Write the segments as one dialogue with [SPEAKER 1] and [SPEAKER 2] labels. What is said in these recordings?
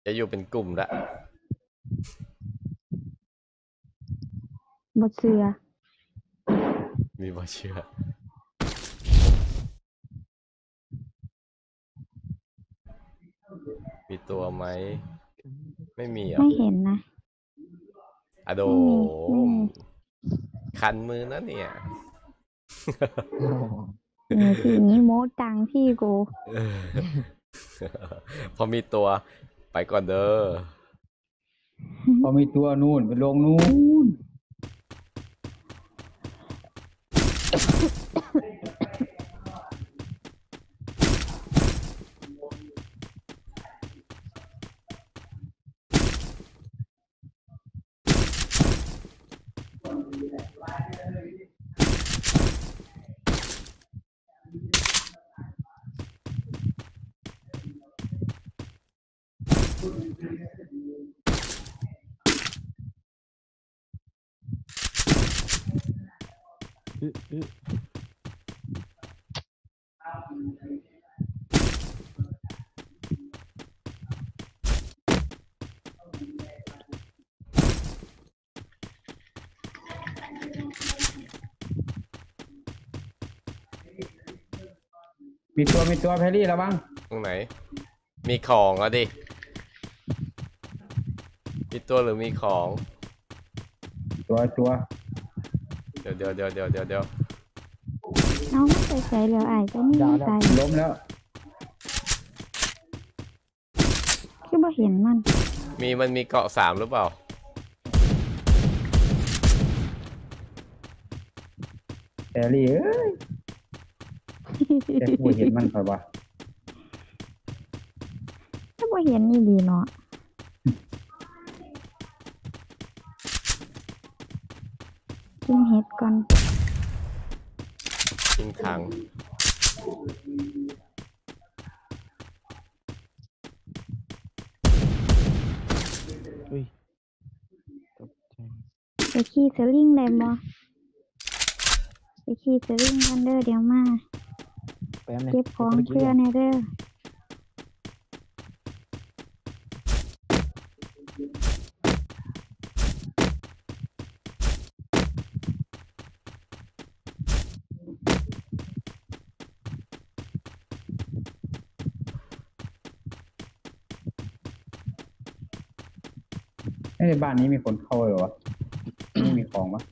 [SPEAKER 1] จะอยู่เป็นกลุ่มละ
[SPEAKER 2] บ่เชื่อ
[SPEAKER 1] มีบ่เชื่อมีตัวไหมไม่มีอ่ะ
[SPEAKER 2] ไม่เห็นนะ
[SPEAKER 1] อะโดคันมือนะเนี่ย
[SPEAKER 2] ทีนี้โม้จังพี่กู
[SPEAKER 1] พอมีตัวไปก่อนเด้อ
[SPEAKER 3] พอมีตัวนู่นไปลงนู่นมีตัวแพรรี่ระวัง
[SPEAKER 1] ตรงไหนมีของอ่ะดิมีตัวหรือมีของ
[SPEAKER 3] ตัว
[SPEAKER 1] เดี๋ยว
[SPEAKER 2] เอาไม่ใส่ใส่เหลือไอ้ก็นี่ใส่
[SPEAKER 3] ล้มแล้ว
[SPEAKER 2] คือบ่เห็นมัน
[SPEAKER 1] มีเกาะ3หรือเปล่า
[SPEAKER 3] แพรรี่เอ้ยแต่กูเห็นมันเปล่าวะ
[SPEAKER 2] ถ้าบ่เห็นนี่ดีเนาะกินเห็ดก่อน
[SPEAKER 1] ทิ้งถัง
[SPEAKER 2] ไปขี่สลิงได้บ่ไปขี่สลิงกันเด้อเดี๋ยวมาเก็บของเพื่อนให้เด้อ
[SPEAKER 3] ในบ้านนี้มีคนเข้าเหรอวะไม่มีของปะ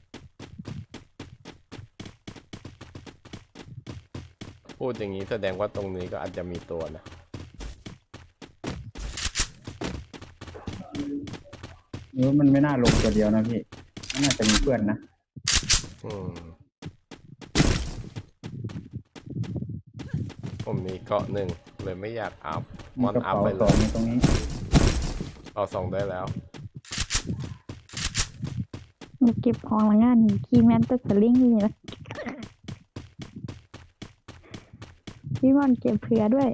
[SPEAKER 1] พูดอย่างนี้แสดงว่าตรงนี้ก็อาจจะมีตัวนะ
[SPEAKER 3] มันไม่น่าลงตัวเดียวนะพี่มันน่าจะมีเพื่อนนะ
[SPEAKER 1] ผมมีเกาะ1เลยไม่อยากอัพมอนอัพไปเลย
[SPEAKER 3] ตรงนี้
[SPEAKER 1] เอา2ได้แล้ว
[SPEAKER 2] เก็บของละงานนี่ขี่แมนต์สลิงนี่นะพี่ม่อนเก็บเผื่อด้วย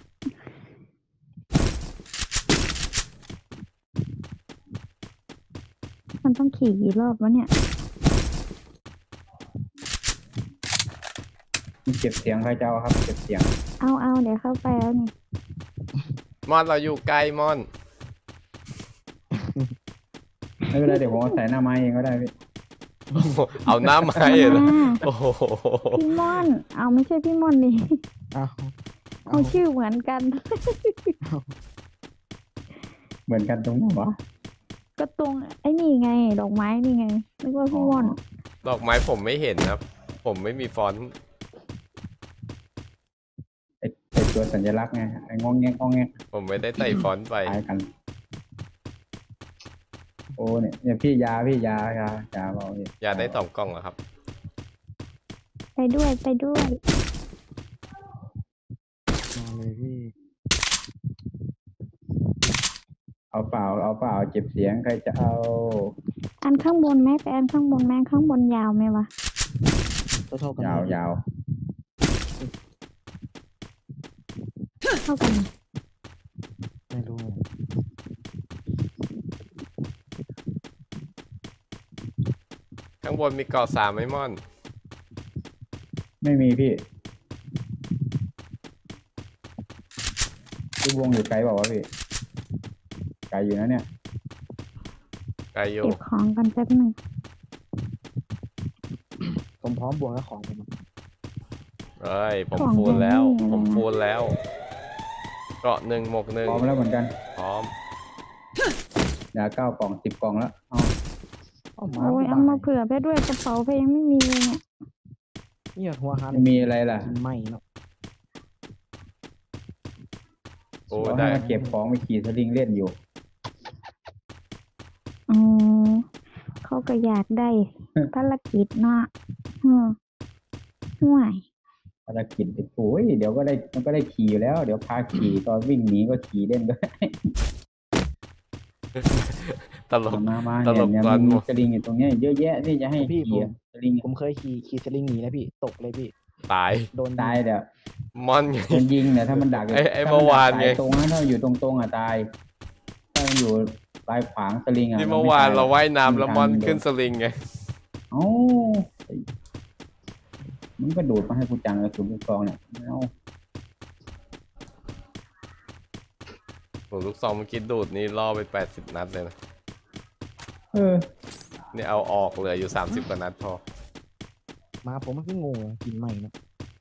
[SPEAKER 2] มันต้องขี่กี่รอบวะเนี่ย
[SPEAKER 3] เก็บเสียงใครจะเอาครับเก็บเสียง
[SPEAKER 2] เอาเดี๋ยวเข้าไปแล้วนี่
[SPEAKER 1] มอนเราอยู่ไกลมอน
[SPEAKER 3] ไม่เป็นไรเดี๋ยวผมใส่หน้าไม้เองก็ได้พี่
[SPEAKER 1] เอาหน้าไม้เหรอโอ้โห
[SPEAKER 2] พี่ม่อนเอาไม่ใช่พี่ม่อนนี่เอาชื่อเหมือนกัน
[SPEAKER 3] เหมือนกันตรงไหนวะ
[SPEAKER 2] ก็ตรงไอ้นี่ไงดอกไม้นี่ไงนึกว่าพี่ม่อน
[SPEAKER 1] ดอกไม้ผมไม่เห็นนะผมไม่มีฟอนต์
[SPEAKER 3] ไอตัวสัญลักษณ์ไงไองงแง
[SPEAKER 1] ผมไม่ได้ใส่ฟอนต์ไป
[SPEAKER 3] กันโอ้เนี่ยพี่ยาเบา
[SPEAKER 1] ยาได้2 กล่องเหรอครับ
[SPEAKER 2] ไปด้วยมา
[SPEAKER 3] เลยพี่เอาเปล่าเก็บเสียงใครจะเอา
[SPEAKER 2] อันข้างบนไหมไปอันข้างบนไหมข้างบนยาวไหมวะ
[SPEAKER 3] ยาว
[SPEAKER 2] เท่ากัน
[SPEAKER 3] ไม่รู้
[SPEAKER 1] ข้างบนมีเกาะ3ไหมม่อน
[SPEAKER 3] ไม่มีพี่วงอยู่ไกลบอกว่าพี่ไกลอยู่นะเนี่ย
[SPEAKER 1] ไกลอยู่
[SPEAKER 2] เก็บของกันแป๊บหนึ่ง
[SPEAKER 4] ผมพร้อมบวกแล้วของผม
[SPEAKER 1] เอ้ยผมฟูลแล้ว ผมฟูลแล้ว เกาะ1 หมวก
[SPEAKER 3] พร้อมแล้วเหมือนกัน
[SPEAKER 1] 1พร้อม
[SPEAKER 3] ยา9 กล่อง 10 กล่องแล้วเอา
[SPEAKER 4] เอามา
[SPEAKER 2] โอ้ยเอามาเผื่อไปด้วยกระเป๋าไปยังไม่มีเลยเนี่ย
[SPEAKER 4] เนี่ยหัวหัน
[SPEAKER 3] ไม่มีอะไรล่ะ
[SPEAKER 4] กินไหมเนาะ
[SPEAKER 1] โอ้
[SPEAKER 3] เรา
[SPEAKER 1] ได้
[SPEAKER 3] ให้มาเก็บของไปขี่สลิงเล่นอยู่
[SPEAKER 2] อ๋อเขาก็อยากได้ภารกิจเนาะห่วย
[SPEAKER 3] ภารกิจไปโอ้ยเดี๋ยวก็ได้มันก็ได้ขี่อยู่แล้ว เดี๋ยวพาขี่ตอนวิ่งหนีก็ขี่เล่นก็ได้
[SPEAKER 1] ตลก
[SPEAKER 3] มา
[SPEAKER 1] ตลก
[SPEAKER 3] เนี่ย
[SPEAKER 1] ตอน
[SPEAKER 3] มีสลิงอยู่ตรงเนี้ยเยอะแยะที่จะให้ขี่อะสลิง
[SPEAKER 4] ผมเคยขี่สลิงหนีนะพี่ตกเลยพี่
[SPEAKER 1] ตาย
[SPEAKER 4] โดน
[SPEAKER 3] ตายเดี๋ยว
[SPEAKER 1] มอนไง
[SPEAKER 3] มันยิงเนี่ยถ้ามันดัก
[SPEAKER 1] ไอ้
[SPEAKER 3] ถ้
[SPEAKER 1] เมื่อวานไง
[SPEAKER 3] มัดักสยตรงนะถ้าอยู่ตรงๆอ่ะตาย ถ้ามันอยู่ปลายขวางสลิงอ่ะ
[SPEAKER 1] ที่เมื่อวานเรา
[SPEAKER 3] ไ
[SPEAKER 1] ว่ายน้ำแล้วมอน
[SPEAKER 3] ทาง
[SPEAKER 1] ขึ้นสลิงไง
[SPEAKER 3] เอ้ามันก็โดดมาให้กูจังเลยคุณลูกซองเนี่ยเอา
[SPEAKER 1] โหลูกซองเมื่อกี้ดูดนี่ล่อไป80 นัดเลยนะ
[SPEAKER 3] เออ
[SPEAKER 1] นี่เอาออกเหลืออยู่30 กว่านัดพอ
[SPEAKER 4] มาผมมันก็งงกินไหมเนาะ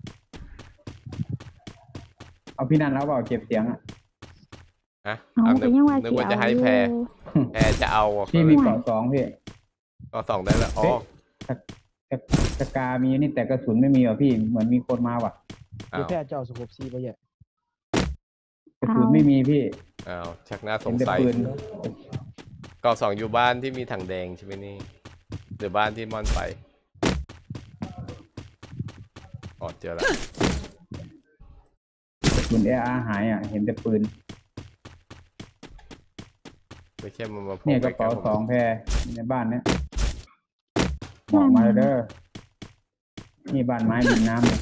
[SPEAKER 3] เอาพี่นันแล้วเปล่าเก็บเสียงอ่ะ
[SPEAKER 1] ฮะ
[SPEAKER 2] เอา
[SPEAKER 1] เอา
[SPEAKER 2] ก็
[SPEAKER 1] นึก
[SPEAKER 2] ยังว่า
[SPEAKER 1] นึกว่า
[SPEAKER 2] สิ
[SPEAKER 1] จะ
[SPEAKER 2] เอา
[SPEAKER 1] ให้
[SPEAKER 2] อยู่
[SPEAKER 1] แพรจะเอาอ่ะ
[SPEAKER 3] พี่มีเกาะ2พี่
[SPEAKER 1] ก็2ได้แล้วอ๋อ
[SPEAKER 3] สกามีนี่แต่กระสุนไม่มีว่ะพี่เหมือนมีคนมาว่ะ
[SPEAKER 4] คือ
[SPEAKER 1] อ้าว
[SPEAKER 4] แพทย์เจ้าสกบซีไปเยอะ
[SPEAKER 3] กระสุนไม่มีพี่
[SPEAKER 1] อ้าวชักน่าส
[SPEAKER 3] เห็น
[SPEAKER 1] ง
[SPEAKER 3] แต่
[SPEAKER 1] สัย
[SPEAKER 3] ปืน
[SPEAKER 1] ก็2อยู่บ้านที่มีถังแดงใช่ไหมนี่หรือบ้านที่มอนไปอ๋อเจอแล้ว
[SPEAKER 3] กระสุนเออาหายอ่ะเห็นแต่ปืน
[SPEAKER 1] ไม่ใช่มันมาโผล่
[SPEAKER 3] เนี่ยกระเป๋า
[SPEAKER 1] ใล้ๆผม
[SPEAKER 3] 2แพรในบ้านเนี้ยบอกมาเด้อนี่บ้านไม้ริมน้ำเนี่ย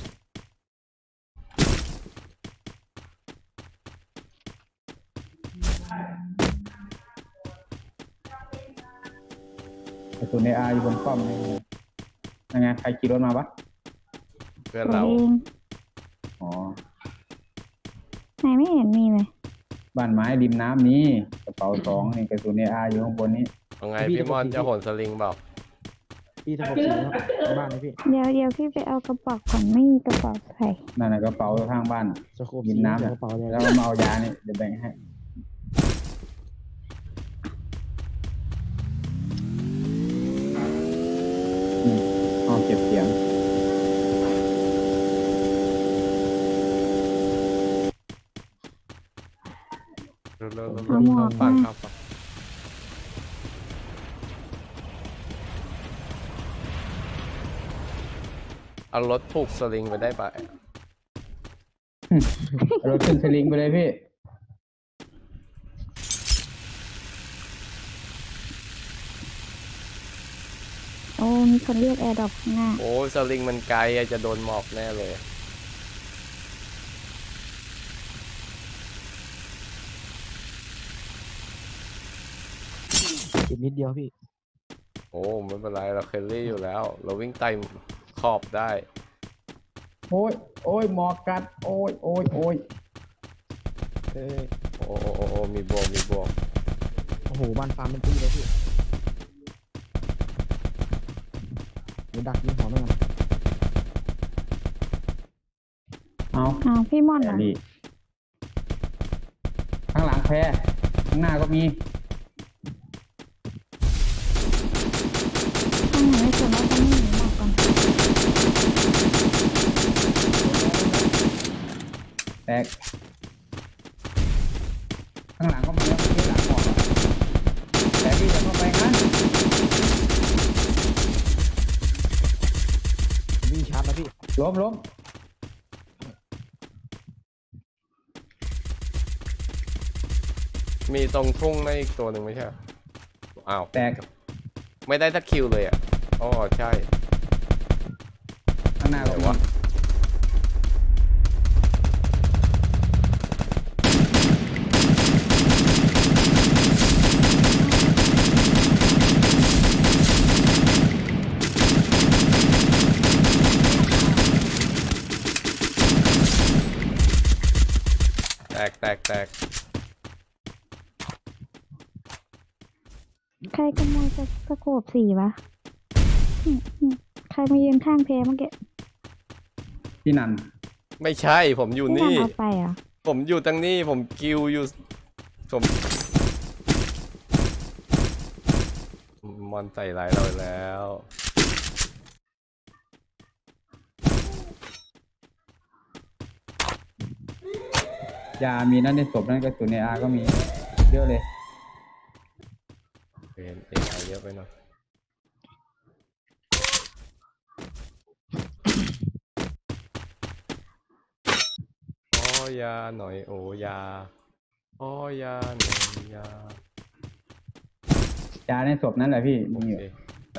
[SPEAKER 3] กระสุนเออาอยู่บนป้อมนี่ยังไงใครขี่รถมาปะ
[SPEAKER 1] เพื่อน
[SPEAKER 2] ตัว
[SPEAKER 1] เรา
[SPEAKER 2] เอง
[SPEAKER 3] อ๋อ
[SPEAKER 2] ไหนไม่เห็นมีเลย
[SPEAKER 3] บ้านไม้ริมน้ำนี้กระเป๋า2นี่กระสุนเออาอยู่ข้างบนนี้
[SPEAKER 1] เอาไงพี่มอนจะโหนสลิงเปล่า
[SPEAKER 4] พี่สกบซีเนาะบ้านเลยพี่
[SPEAKER 2] เดี๋ยวพี่ไปเอากระเป๋าก่อนไม่มีกระเป๋าใส่
[SPEAKER 3] นั่นน่ะกระเป๋าข้างบ้าน
[SPEAKER 4] สกบ
[SPEAKER 3] ยิ
[SPEAKER 4] ซี
[SPEAKER 3] นน้ำ
[SPEAKER 4] กระเป๋าเลย
[SPEAKER 3] แล้วก็มาเอายานี่เดี๋ยวแบ่งให้ห้องเก็บเสียง
[SPEAKER 1] เร็วๆ
[SPEAKER 2] เอาหมวก
[SPEAKER 1] ฟัง
[SPEAKER 2] มา
[SPEAKER 1] ครับฟังเอารถผูกสลิงไปได้ปะ
[SPEAKER 3] เอารถขึ้นสลิงไปเลยพี่
[SPEAKER 2] โอ้มีคนเรียกแอร์ดรอปข้างหน้า
[SPEAKER 1] โอ้สลิงมันไกลอะจะโดนหมอกแน่เลย
[SPEAKER 4] กินนิดเดียวพี่
[SPEAKER 1] โอ้ไม่เป็นไรเราเคลลี่อยู่แล้ว เราวิ่งไต่ขอบได้
[SPEAKER 3] โอ้ยโอ้ยหมอกกัด โอ้ยโอ้ยโอ้ย
[SPEAKER 4] เออ
[SPEAKER 1] โอ้โอ้โอ้โอ้มีบวกมีบวก
[SPEAKER 4] โอ้โหบ้านฟาร์มเป็นตีเลยพี่เดี๋ยวดักยิงหัวมันกัน
[SPEAKER 3] เอา
[SPEAKER 2] อ้าวพี่ม่อน
[SPEAKER 3] แพ
[SPEAKER 2] เหรอ
[SPEAKER 3] รรี่ข้างหลังแพรข้างหน้าก็มี
[SPEAKER 2] ข้างหลังไม่สนว่าจะไม่หนีหมอกก่อน
[SPEAKER 3] แตก ข้างหลังก็มีแล้วที่หลังหมอกอะแต่พี่จะเข้าไปงั้น
[SPEAKER 4] วิ่งชาร์จแล้วพี่
[SPEAKER 3] ล้ม
[SPEAKER 1] มีตรงทุ่งในอีกตัวหนึ่งไม่ใช่เหรออ้าว
[SPEAKER 3] แตก
[SPEAKER 1] ไม่ได้สักคิวเลยอ่ะอ๋อใช่
[SPEAKER 3] ข้างหน้าก็
[SPEAKER 1] ไหน
[SPEAKER 3] มี
[SPEAKER 1] วะ แตก
[SPEAKER 2] ใครขโมยสโคปสีวะใครมายืนข้างเพเมื่อกี้
[SPEAKER 3] พี่นัน
[SPEAKER 1] ไม่ใช่ผมอยู่
[SPEAKER 2] พี่นัน
[SPEAKER 1] นี่
[SPEAKER 2] เอาไปเหรอ่ะ
[SPEAKER 1] ผมอยู่ตรงนี้ผมกิวอยู่ผมมอนใส่ร้ายเราแล้ว
[SPEAKER 3] ยามีนั่นในศพนั่นกระสุนในอาก็มีเยอะเลย
[SPEAKER 1] เป็นเอไอเยอะไปหน่อยอ้อยาหน่อยโอยาอ้อยาหน่อยยาย
[SPEAKER 3] าในศพนั่นแหละพี่
[SPEAKER 1] โอ
[SPEAKER 3] มีอยู่
[SPEAKER 1] เคไป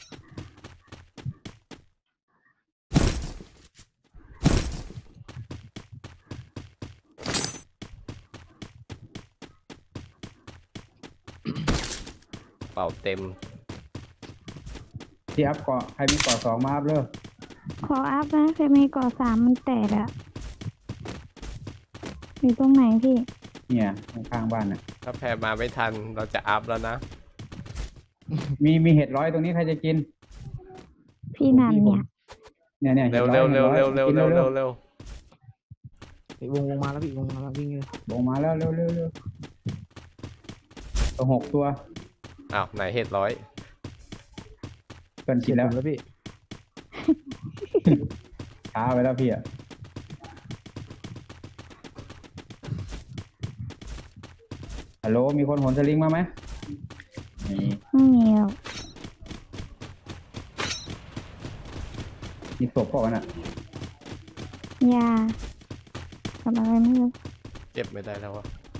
[SPEAKER 1] เป่าเต็ม
[SPEAKER 3] ที่อัพเกาะใครมีเกาะ2มาอัพเลย
[SPEAKER 2] ขออัพนะเคยมีก่อ3มันแตกอะอยู่ตรงไหนพี่
[SPEAKER 3] เนี่ยข้างๆบ้านน่ะ
[SPEAKER 1] ถ้าแพรมาไม่ทันเราจะอัพแล้วนะ
[SPEAKER 3] มีเห็ดร้อยตรงนี้ใครจะกิน
[SPEAKER 2] พี่นันเนี่ย
[SPEAKER 3] เนี่ย
[SPEAKER 1] เร็วเร็วเร็วเร็วเร็วเร็วเร็วเร็ว
[SPEAKER 4] วงมาแล้วพี่วงมาแล้ววิ่งเลย
[SPEAKER 3] ลงมาแล้วเร็วตัว6ตัว
[SPEAKER 1] อ้าวไหนเห็ดร้อย
[SPEAKER 3] เกินกินแล้ว
[SPEAKER 4] แล้วพี่
[SPEAKER 3] ช้าไปแล้วพี่อ่ะฮัลโหลมีคนโหนสลิงมาไหมนี่
[SPEAKER 2] ไม่มีหรอก
[SPEAKER 3] มีศพเปล่าวะน่ะ
[SPEAKER 2] ยาทำอะไรไม่รู้
[SPEAKER 1] เก็บไม่ได้แล้ววะ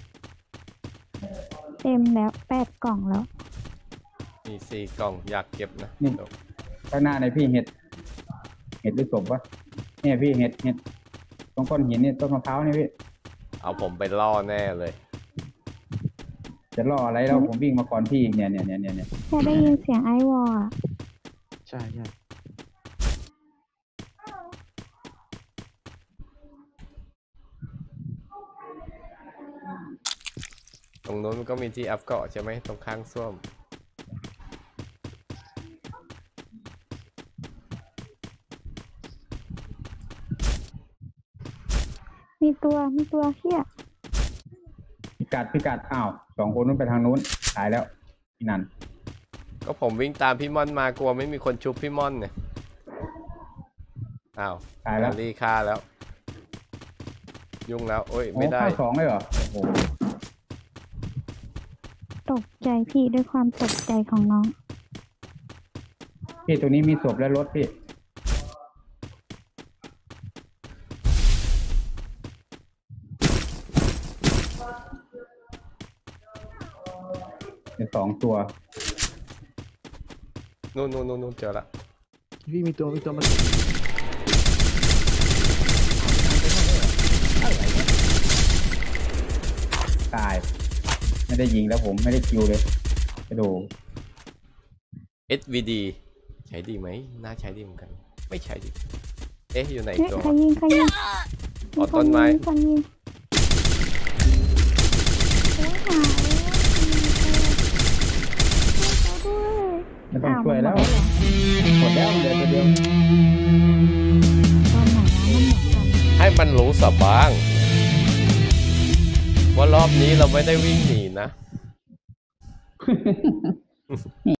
[SPEAKER 2] เต็มแล้ว8 กล่องแล้ว
[SPEAKER 1] มี4 กล่องอยากเก็บนะ
[SPEAKER 3] ข้างหน้าในพี่เห็ดหรือศพวะเนี่ยพี่เห็ดตรงก้อนหินนี่ต้นมะพร้าวนี่พี่
[SPEAKER 1] เอาผมไปล่อแน่เลย
[SPEAKER 3] จะล่ออะไรแล้วผมวิ่งมาก่อนพี่อีกเนี่ย
[SPEAKER 2] แค่ได้ยินเสียงไอวอลอะ
[SPEAKER 4] ใช่ใช่
[SPEAKER 1] ตรงนู้นมันก็มีที่อัพเกาะใช่ไหมตรงข้างส้วม
[SPEAKER 2] มีตัวเฮีย
[SPEAKER 3] พิกัดอ้าว2 คนนู้นไปทางนู้นตายแล้วพี่นัน
[SPEAKER 1] ก็ผมวิ่งตามพี่ม่อนมากลัวไม่มีคนชุบพี่ม่อนเนี่ยอ้าว
[SPEAKER 3] ตายแล้ว
[SPEAKER 1] รีฆ่าแล้ว ยุ่งแล้วโอ้ยไม่ได้
[SPEAKER 3] ฆ่า2เลยเหรอโอ้โห
[SPEAKER 2] ตกใจพี่ด้วยความตกใจของน้อง
[SPEAKER 3] พี่ตัวนี้มีศพและรถพี่เดี๋ยว2 ตัว
[SPEAKER 1] นู่นเจอละ
[SPEAKER 4] พี่มีตัวมัน
[SPEAKER 3] ตาย ไม่ได้ยิงแล้วผมไม่ได้คิวเลยกระโดด
[SPEAKER 1] SVD ใช้ดีไหมน่าใช้ดีเหมือนกัน ไม่ใช้ดีเอ๊ะอยู่ไหนอีก
[SPEAKER 2] เฮ้ย
[SPEAKER 1] ตัว
[SPEAKER 2] ใครยิง
[SPEAKER 1] อ๋อต้นไม้
[SPEAKER 2] คนยิงโอ้ยหายแล้ว
[SPEAKER 3] ไม่ต้องช่วยแล้ว หมดแล้วเหลือตัวเดียว
[SPEAKER 2] ตอนไหนนะมันหมดกัน
[SPEAKER 1] ให้มันรู้สับบ้าง ว่ารอบนี้เราไม่ได้วิ่งหนีนะ